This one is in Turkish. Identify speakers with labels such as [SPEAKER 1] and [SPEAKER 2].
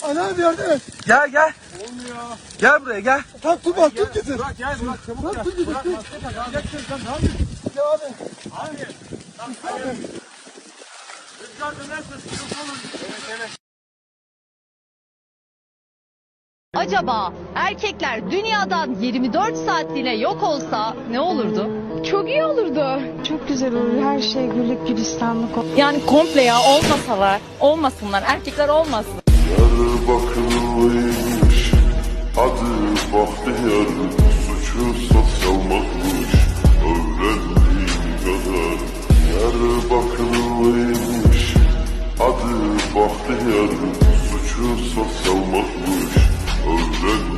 [SPEAKER 1] Anam yardım et.
[SPEAKER 2] Gel gel.
[SPEAKER 3] Olmuyor.
[SPEAKER 2] Gel buraya gel.
[SPEAKER 1] Kalk tut bak tut getir.
[SPEAKER 3] Bırak gel bırak çabuk
[SPEAKER 1] Bırak
[SPEAKER 3] gel.
[SPEAKER 1] tut getir.
[SPEAKER 3] Bırak
[SPEAKER 1] Tut.
[SPEAKER 3] maske tak. Alacaksın sen ne yapıyorsun?
[SPEAKER 1] Ya abi.
[SPEAKER 3] Abi. Abi. Rüzgar dönerse sıkıntı olur. Evet evet.
[SPEAKER 4] Acaba erkekler dünyadan 24 saatliğine yok olsa ne olurdu?
[SPEAKER 5] Çok iyi olurdu. Çok güzel olur. Her şey güllük gülistanlık olur.
[SPEAKER 6] Yani komple ya olmasınlar, erkekler olmasın.
[SPEAKER 7] Diyarbakırlıymış, adı Bahtiyar, suçu sosyalmakmış, öğrendiğim kadar. Diyarbakırlıymış, adı Bahtiyar, suçu sosyalmakmış, öğrendiğim